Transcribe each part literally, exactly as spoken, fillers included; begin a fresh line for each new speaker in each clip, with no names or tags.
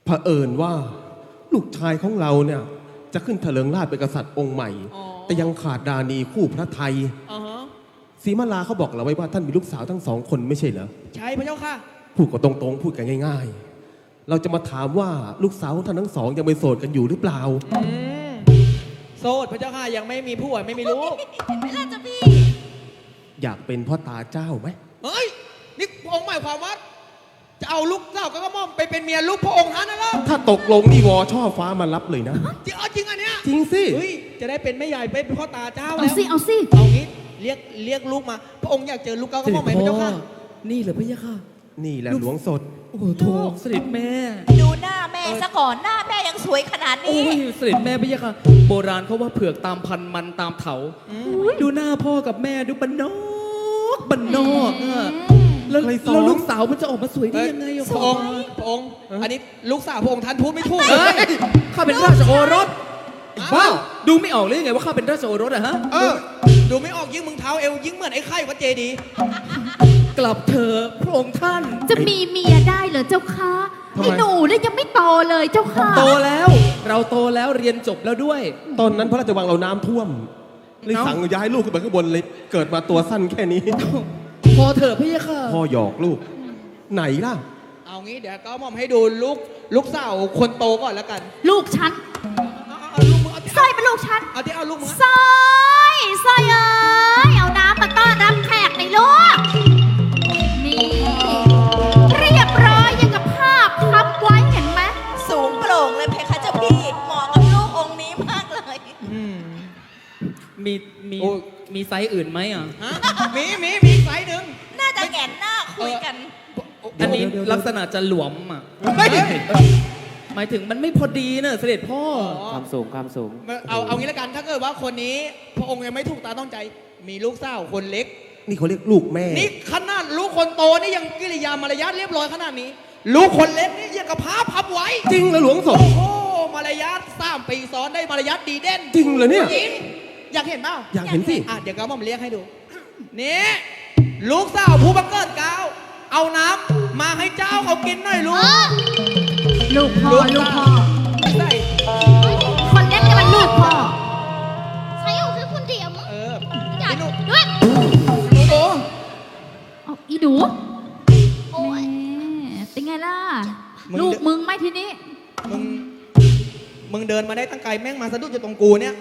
เผอิญว่าลูกชายของเราเนี่ยจะขึ้นเถลิงราชเป็นกษัตริย์องค์ใหม่แต่ยังขาดดานีคู่พระไทยศรีมาลาเขาบอกเราไว้ว่าท่านมีลูกสาวทั้งสองคนไม่ใช่เหรอ
ใช่พระเจ้าค่ะ
พูดก็ตรงๆพูดกันง่ายๆเราจะมาถามว่าลูกสาวของท่านทั้งสองยังเป็นโสดกันอยู่หรือเปล่า
โสดพระเจ้าค่ะยังไม่มีผัวไม่มีลูก
ไม่ล่ะจ้ะพี่
อยากเป็นพ่อตาเจ้าไหม
เฮ้ยนี่พระองค์หมายความว่าจะเอาลูกสาวก็กระหม่อมไปเป็นเมียลูกพระองค์ท่านนะล่ะ
ถ้าตกลงนี่วอช่อฟ้ามารับเลยนะ
จริงจริงอันเนี้ย
จริงสิ
เฮ้ยจะได้เป็นแม่ใหญ่เป็นพ่อตาเจ้าแล้ว
เอาสิเอาสิ
เอางี้เรียกเรียกลูกมาพระองค์อยากเจอลูกเก้ากระหม่อมไหมพระเจ้าค่ะ
นี่เหรอพระเจ้าค่ะ
นี่แหละหลวงสด
โอ้โหโถเสด็จแม่
ดูหน้าแม่ซะก่อนหน้าแม่ยังสวยขนาดนี้
โอ้ยเสด็จแม่พระเจ้าค่ะโบราณเขาว่าเผือกตามพันมันตามเถาดูหน้าพ่อกับแม่ดูบันนอกบันนอกอะแล้วลูกสาวมันจะออกมาสวยได้ยังไง
พระองค์พระองค์อันนี้ลูกสาวพระองค์ท่านพูดไม่ถูก
เลยข้าเป็นราชโอรสว้าวดูไม่ออกเลยไงว่าข้าเป็นราชโอรสอะฮะ
เออดูไม่ออกยิ่งมึงเท้าเอวยิ่งเหมือนไอ้ไข่วัดเจดี
กลับเถอะพระองค์ท่าน
จะมีเมียได้เหรอเจ้าค่ะไอ้หนูเนี่ยยังไม่โตเลยเจ้าค่ะ
โตแล้วเราโตแล้วเรียนจบแล้วด้วย
ตอนนั้นพระราชวังเราน้ำท่วมเลยสั่งย้ายลูกขึ้นไปข้างบนเลยเกิดมาตัวสั้นแค่นี้
พอเถอะพี่ค่ะ
พ่อหยอกลูกไหนล่ะ
เอางี้เดี๋ยวก็มอมให้ดูลูกลูกสาวคนโตก่อนแล้วกัน
ลูกฉันสร้อยเป็นลูกฉัน
เอาที่เอาลูกมึง
สร้อยสร้อยเอ้ยเอาน้ำมาต้อนรับแขกในลูกนี่เรียบร้อยยังกับภาพทับไว้เห็นไหมสูงโปร่งเลยเพคะเจ้าพี่เหมาะกับลูกองค์นี้มากเลย
มีมีมีไซส์อื่นไหมอ่ะ
มีมีมีไซส์หนึ่ง
น่าจะแก่นหน้าคุยกัน
อันนี้ลักษณะจะหลวมอ่ะหมายถึงมันไม่พอดีเนอะเสด็จพ่อ
ความสูงความสูง
เอาเอางี้ละกันถ้าเกิดว่าคนนี้พระองค์ยังไม่ถูกตาต้องใจมีลูกสาวคนเล็ก
นี่เขาเรียกลูกแม่
นี่ขนาดลูกคนโตนี่ยังกิริยามารยาทเรียบร้อยขนาดนี้ลูกคนเล็กนี่ยังกับผ้าพับไว้
จริงเหรอหลวงสด
โอ้โหมารยาทสามปีซ้อนได้มารยาทดีเด่น
จริงเหรอเนี่ย
จริงอยากเห็นเปล่า
อยากเห็นสิ
อ่ะเดี๋ยวก็มาเรียกให้ดูนี่ลูกสาวผู้บังเกิดเกล้าเอาน้ำมาให้เจ้าเขากินหน่อยลูก
ลูกพ่อลูกพ่อ
ใช่
คนเล็กจะเป็นลูกพ่อใช่คือคนเดียวมั้ง
เอออยาก
ด้วย
อีดู
เอาอีดูโอ้ยเป็นไงล่ะลูกมึงไหมทีนี้
มึงมึงเดินมาได้ตั้งไกลแม่งมาสะดุดอยู่ตรงกูเนี่ย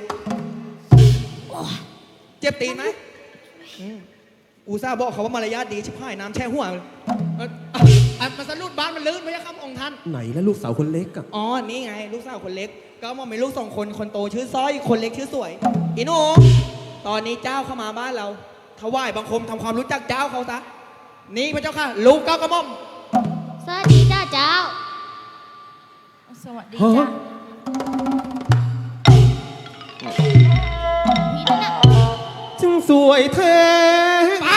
เจ็บตีนไหมอูซ่าบอกเขาว่ามารยาทดีชิบหายน้ำแช่หัวมันสะดุดบ้านมันลื่นไม่ใช่คำองค์ท่าน
ไหนแล้วลูกสาวคนเล็กอะ
อ๋อนี่ไงลูกสาวคนเล็กก็มองเป็นลูกสองคนคนโตชื่อสร้อยคนเล็กชื่อสวยอีโนตอนนี้เจ้าเข้ามาบ้านเราถวายบังคมทำความรู้จักเจ้าเขาซะนี่พระเจ้าค่ะลูกเก้ากระหม่อม
สวัสดีจ้าเจ้าสวัสดีจ้า
จึงสวยเธอ
ไป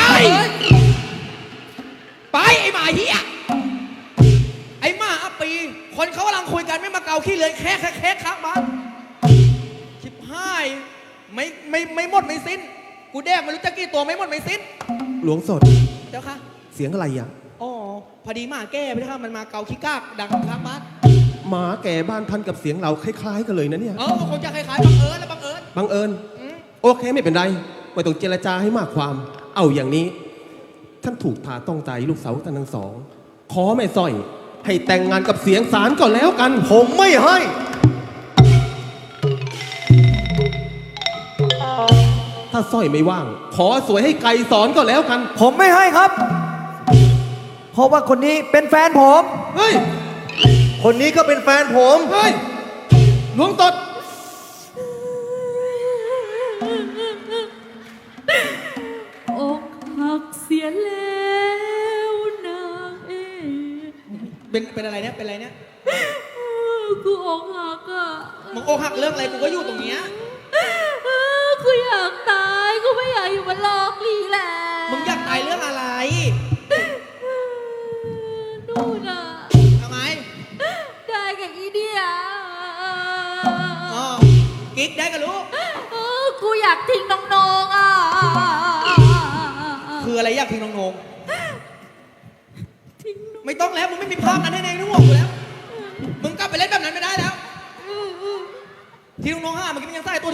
ไปไอ้หมาเหี้ยไอ้หมาอัปปีคนเขากำลังคุยกันไม่มาเกาขี้เลยแค่แค่แค่ข้างบ้านชิบหายไม่ไม่ไม่หมดไม่สิ้นกูแดกไม่รู้จะกี่ตัวไม่หมดไม่สิ้น
หลวงสด
เจ้าค่ะ
เสียงอะไรอ่ะ
อ๋อพอดีหมาแก่ไปค่ะมันมาเกาขี้กากดังข้างบ้าน
หมาแก่บ้านพันกับเสียงเราคล้ายๆกันเลยนะเนี่ย
เออคงจะคล้ายๆบังเอิญและบังเอิญ
บังเอิญโอเคไม่เป็นไรไม่ต้องเจรจาให้มากความเอาอย่างนี้ท่านถูกทาต้องใจลูกสาวท่านทั้งสองขอแม่สร้อยให้แต่งงานกับเสียงสารก่อนแล้วกัน
ผมไม่ให้
ถ้าสร้อยไม่ว่างขอสวยให้ไกลสอนก็แล้วกัน
ผมไม่ให้ครับเพราะว่าคนนี้เป็นแฟนผม
เฮ้ย
คนนี้ก็เป็นแฟนผม
เฮ้ยหลวงตด
อกหักเสียแล้วนางเอ
เป็นเป็นอะไรเนี่ยเป็นอะไรเนี่ย
กูอกหักอ่ะ
มึงอกหักเรื่องอะไรกูก็อยู่ตรงเนี้ย
กูอยากตายกูไม่อยากอยู่บนโลกนี้แล้ว
มึงอยากตายเรื่องอะไร
นู่นน่ะ
ทำไม
ได้กับอีเดีย
อ๋อกิ๊กได้กับลูก
กูอยากทิ้งน้องๆอ่ะ
คืออะไรอยากทิ้งน้องๆไม่ต้องแล้วมึงไม่มีภาพนั้นให้ในหัวกูแล้วมึงกลับ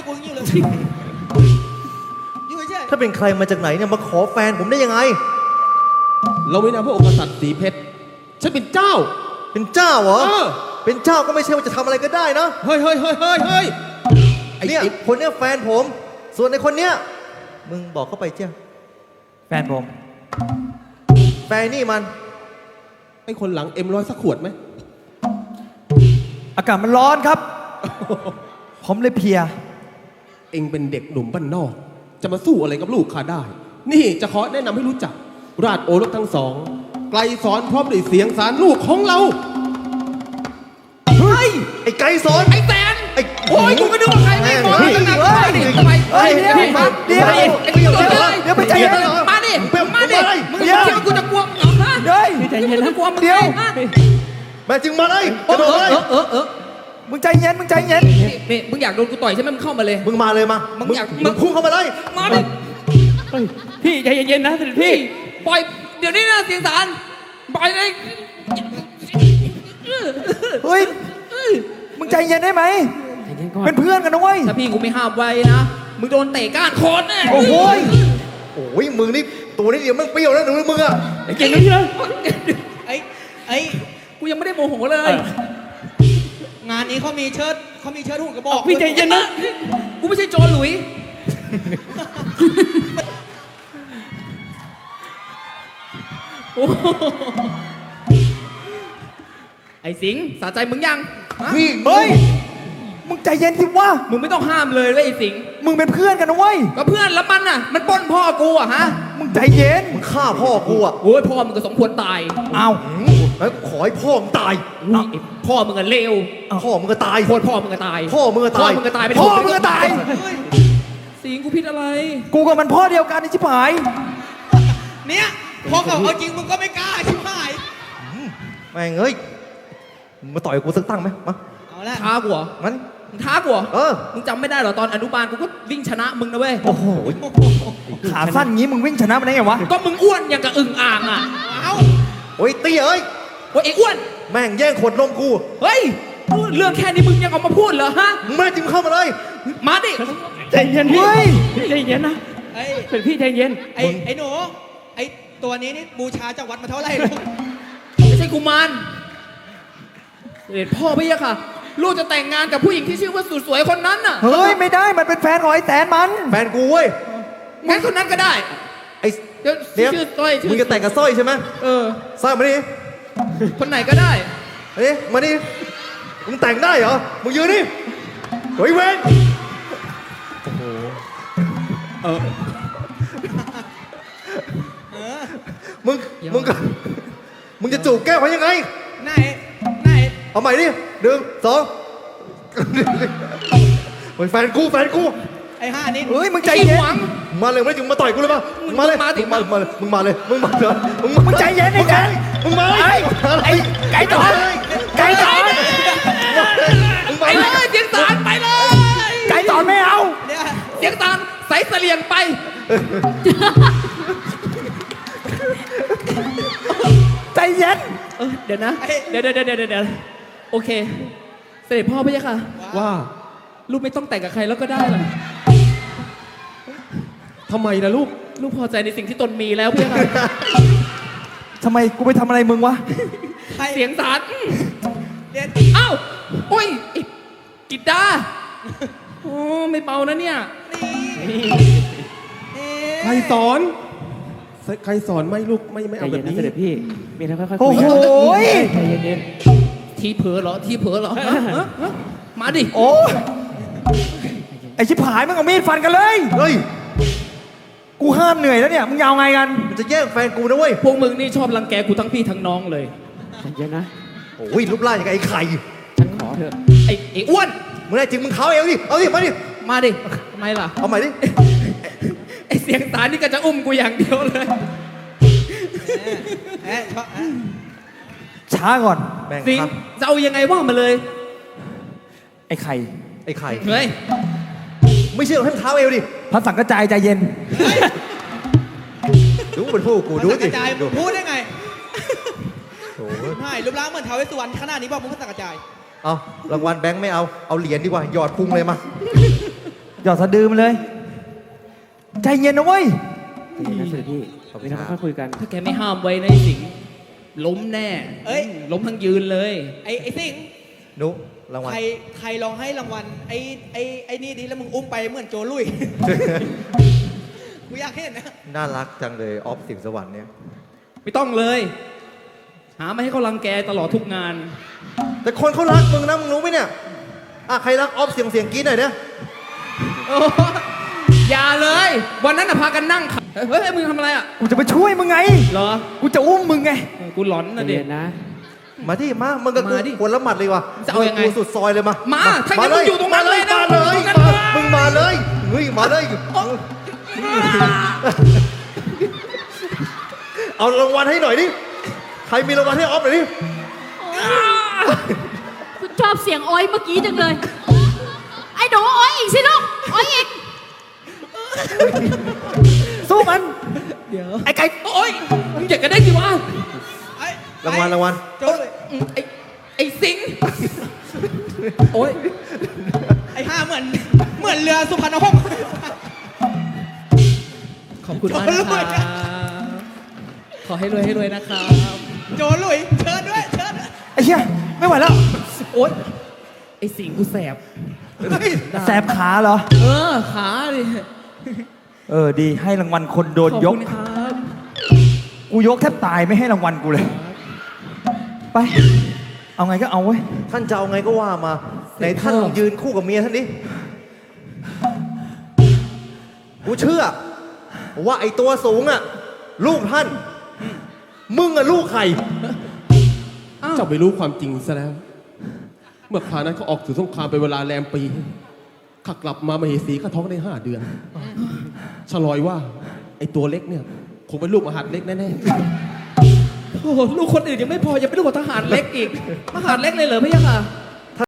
กูอย่างนี้เลยอยู่เฉย
ถ้าเป็นใครมาจากไหนเนี่ยมาขอแฟนผมได้ยังไง
เราไม่นามพระองค์กษัตริย์สีเพชรฉันเป็นเจ้า
เป็นเจ้าเหรอ
เออ
เป็นเจ้าก็ไม่ใช่ว่าจะทำอะไรก็ได้นะ
เฮ้ยเฮ้ยเฮ้ยเฮ้ยเฮ้ยไอ้
เนี่ย
ไอ้
คนเนี้ยแฟนผม ส่วนในคนเนี้ยมึงบอกเข้าไปเจ้า
แฟนผม
แฟนนี่มัน
ไอ้คนหลังเอ็มร้อยสักขวดไหม
อากาศมันร้อนครับ ผมเลยเพลีย
เองเป็นเด็กหนุ่มบ้านนอก จะมาสู้อะไรกับลูกข้าได้ นี่จะขอแนะนำให้รู้จัก ราชโอรสทั้งสอง ไกลสอนพร้อมด้วยเสียงสารลูกของเรา
เฮ้ย ไอ้ไก่สอน
ไอ้แตน
ไอ้
โอ้ยกูก็นึกว่าใครไม่มอง
เฮ้ย
ตั้งนาน
เฮ้ย
ดิทำไม
เฮ้ย
เดี๋ยว
เดี๋ยว
มา
เดี๋ยว
ไอ้กูจะเลย
เดี๋ยวไปใจเย็น
มาดิ
เดี๋ยว
มาดิ
เดี๋ยว
มึงคิดว่ากูจะกลัวมึงเหรอฮะ
เฮ้ย
ใจเย็นนะกลัวมึง
เดี๋ยว
ฮะ
แม่จึงมาเลย
เอก
ระ
อ
โดดเลย
เออเออเออ
มึงใจเย็น มึงใจเย็น
นี่นี่มึงอยากโดนกูต่อยใช่ไหมมึงเข้ามาเลย
มึงมาเลยมา
มึ
มึ
งอยาก
มึงพุ่งเข้ามาเลย
มาดิ
พี่ใจเย็นๆนะเสด็จพี่
ปล่อยเดี๋ยวนี้นะเสียงสารปล่อยเลย
เฮ้ย มึงใจเย็นได้ไหม เป็นเพื่อนกันนะเว้ย
ถ้าพี่กูไม่ห้ามไว้นะมึงโดนเตะก้านคอแน่
โอ้โหย
โอ้ยมึงนี่ตัวนี้เดียวมึงเปรี้ยวแล้วหนูมึงอะ
เก่งนะพี่นะ
ไอ้ไอ้กูยังไม่ได้โมโหเลย งานนี้เขามีเชิดเขามีเชิดหุ่นกระบอก
พี่ใจเย็นนะ
กูไม่ใช่โจรหลุย
โอ้โหไอ้สิงห์สะใจมึงยังฮะ
พี่
เฮ้ย มึงใจเย็นสิวะ
มึงไม่ต้องห้ามเลยเว้ยไอ้สิงห์
มึงเป็นเพื่อนกันนะเว้ย
ก็เพื่อนแล้วมันน่ะ มันปล้นพ่อกูอะฮะ
มึงใจเย็น
มึงฆ่าพ่อกูอะ
โอ้ยพ่อมึงก็สมควรตาย
เอา
แล้วขอให้พ่อมึงตาย
นี่ไอ้พ่อมึงก็เลว
พ่อมึงก็ตาย
โคตรพ่อมึงก็ตาย
พ่อมึงก็
พ่อ
ตาย
มึงก็ตายไป
พ่อมึงก็ตาย
สิงห์กูผิดอะไร
กูกับมันพ่อเดียวกันไอ้ชิบหาย
เนี่ยพอเขาเอาจริงมึงก็ไม่กล้าชิบหาย
แม่งเอ้ยมึงมาต่อยกูสักตั้งไหมมา
เอาละท้ากูเหรอ
งั้น
มึงท้ากูเหรอ
เออ
มึงจำไม่ได้เหรอตอนอนุบาลกูก็วิ่งชนะมึงนะเว้ย
โอ้โห
ขาสั้นงี้มึงวิ่งชนะมันได้ไงวะ
ก็มึงอ้วนอย่างกับอึ่งอ่างอ่ะ เอ้า
โอ้ยเตี้ยเอ้ย
โอ้ยไอ้อ้วน
แม่งแย่งขวดนมกู
เฮ้ย เรื่องแค่นี้มึงยังเอามาพูดเหรอฮะ
มึงแม่จริงเข้ามาเลย
มาดิ
ใจเย็นพี่
เฮ้ย
พี่ใจเย็นนะ
ไอ้
เป็นพี่ใจเย็น
ไอ้ไอ้หนู ไอ้ตัวนี้นี่บูชาจากวัดมาเท่าไหร่ลูกไม่ใช่กุมารเด็ดพ่อพี่อะค่ะ ลูกจะแต่งงานกับผู้หญิงที่ชื่อว่าสุดสวยคนนั้นน่ะ
เฮ้ย ไม่ได้ มันเป็นแฟนของไอ้แตนมัน
แฟนกูเว้ย
งั้นคนนั้นก็ได้
ไอ้
เดี๋ยว
เดี๋ยว
ชื่อสร้อยชื่
มึงจะแต่งกับสร้อยใช่ไหม
เออ
สร้อยมาดิ
คนไหนก็ได้
เฮ้ยมาดิมึงแต่งได้เหรอ มึงยืนนี่เฮ้ยเว้น
เออ
มึง มึงก็มึงจะจูบแก้วเขายังไง
ไหน ไหน
เอาใหม่ดิหนึ่งสองเฮ้ยแฟนกูแฟนกู
ไอ้ห้านี่
เฮ้ยมึงใจ
ไอ้
เย็น
หวัง
มาเลยไม่ถึงมาต่อยกูเลยมา
มึง
มาเลย
มาดิ
มึงมาเลยมึงมาเลยมึงมาเลยมึงมา
มึงใจเย็นไอ้แจ๊ค
มึงมาเลย
ไอ้ไก่ตอนไก่ตอน
มึง
ไป
มา
เล
เลย
ยเสียงสารไปเลย
ไก่ตอนไม่เอา
เนี่ยเสียงสารใส่เสลียงไป
ใจเย็น
เออเดี๋ยวนะ
ไอ้
เดี๋ยวเดี๋ยวเดี๋ยวเดี๋ยวเดี๋ยวโอเค เสด็จพ่อพี่ค่ะ
ว่า
ลูกไม่ต้องแต่งกับใครแล้วก็ได้หรอก
ทำไมล่ะลูก
ลูกพอใจในสิ่งที่ตนมีแล้วพี่ค่ะ
ทำไมกูไปทำอะไรมึงวะ
ใคร
เสียงสาร
เดี๋ยว
อ้าวโอ้ยไอ้กิดดาโอ้ไม่เบานะเนี่ย
นี่
ใครสอน ใครสอนไม่ลูกไม่ไม่
ใจ
เอาแบ
เย็น
บ
นะ
นี้
เสด็จพี่มีอะไรค่อยๆ
โอ้
คุย
โห
กัน
ย
ใจเย็น
ทีเผลอเหรอ ทีเผลอเหรอฮะฮะฮะมาดิ
โอ้ยไอชิบหายมึงเอามีดฟันกันเลย
เฮ้ย
กูห้ามเหนื่อยแล้วเนี่ย มึงยาวไงกัน
มันจะแย่งแฟนกูนะเว้ย
ๆพวกมึงนี่ชอบรังแกกูทั้งพี่ทั้งน้องเลยใจเย็นนะ
โอ้ยรูปร่างอย่างกับไอ้ไข่
ฉันขอเถอะ
ไอ้ไอ้อ้วน
มึงได้จริงมึงเท้าเอวดิเอาดิมาดิ
มาดิทำไมล่ะ
เอาใหม่ดิ
ไอ้เสียงสารนี่ก็จะอุ้มกูอย่างเดียวเลยแอะชอบ
ช้าก่อน
แม่ง
สิง
ครับ
จะเอายังไงว่ามาเลย
ไอ้ไข่
ไอ้ไข่
เฮ้ย
ไม่เชื่อให้มันเท้าเอวดิ
พระสังกระจายใจเย็น
ดูเป็นผู้กูดู
มัน
ดิ
กระจาย
ดู
พูดได้ไง
โอ้โห
ใช่รูปร่างเหมือนท้าวเวสสุวรรณขนาดนี้บอกมึงก็สังกระจาย
เอารางวัลแบงค์ไม่เอา เอาเหรียญดีกว่า หยอดพุงเลยมาหยอดสะดือมันเลย ใจเย็นนะเว้ย
นะเสด็จพี่ขอบคุณครับค่อยคุยกัน
ถ้าแกไม่ห้ามไว้ในะไอ้สิงห์ล้มแน่
เอ้ย
ล้มทั้งยืนเลย
ไอ้ไอ้สิง
นุรางวัล
ใครใครลองให้รางวัลไอ้ไอ้ไอ้นี่ดิแล้วมึงอุ้มไปเหมือนโจลุย กูอยากเห็นนะ
น่ารักจังเลยออฟสิงสวรรค์เนี่ย
ไม่ต้องเลย หามาให้เขารังแกตลอดทุกงาน
แต่คนเขารักมึงนะมึงรู้ไหมเนี่ยอ่ะใครรักออฟเสียงเสียงกรี๊ดหน่อยเนี่ย
โอ้อย่าเลย วันนั้นน่ะพากันนั่งขับเฮ้ยมึงทำอะไรอ่ะ
กูจะไปช่วยมึงไง
เหรอ
กูจะอุ้มมึงไง
เออกูหลอนนะเด็ก
นะ
มาที่มา มึงกับกู
มาดิ
คนละหมัดเลยว่ะ
จะเอายังไง
กูสุดซอยเลยมา
มา
มา
ถ้างั้นมึงอยู่ตรงนั้นเลยนะ
มาเลย
อยู่ตรงนั้น
มา
เลย
มึงมาเลย เฮ้ย มาเลย เอารางวัลให้หน่อยดิ ใครมีรางวัลให้ออฟหน่อยดิ
คุณชอบเสียงอ้อยเมื่อกี้จังเลย ไอ้หนูอ้อยอีกสิลูกอ้อยอีก
สู้มัน
เดี๋ยว
ไอ้ไก่
โอ๊ยมึงอยากกันได้กี่วะ
ไอ้
รางวัลรางวัล
โจลุย
อืมไอ้ไอ้สิงห์โอ๊ย
ไอ้ห้าเหมือนเหมือนเรือสุพรรณหงส์
ขอบคุณมากนะครับขอให้รวยให้รวยนะครับ
โจลุยเชิญด้วยเชิญด้วย
ไอ้เชี่ยไม่ไหวแล้ว
โอ๊ยไอ้สิงห์กูแสบ
แสบขาเหรอ
เออขาดิ
เออ ดี ให้รางวัลคนโดน
ขอบ
ยก
คุณครับ
กูยกแทบตายไม่ให้รางวัลกูเลย ไป เอาไงก็เอาเว้ย ท่านจะเอาไงก็ว่ามาไหนท่านลองยืนคู่กับเมียท่านดิ กูเชื่อ ว่าไอตัวสูงอ่ะ ลูกท่าน มึงอ่ะลูกใคร
เจ้าไม่รู้ความจริงซะแล้ว เมื่อคราวนั้นเขาออกสู่สงครามเป็นเวลาแรมปีข้ากลับมามาเหสีข้าท้องได้ห้าเดือนฉลอยว่า ไอตัวเล็กเนี่ยคงเป็นลูกมหาดเล็กแน่
โอ้โหลูกคนอื่นยังไม่พอยังเป็นลูกของทหารเล็กอีกมหาดเล็กเลยเหรอพี่ยะค่ะ
ๆ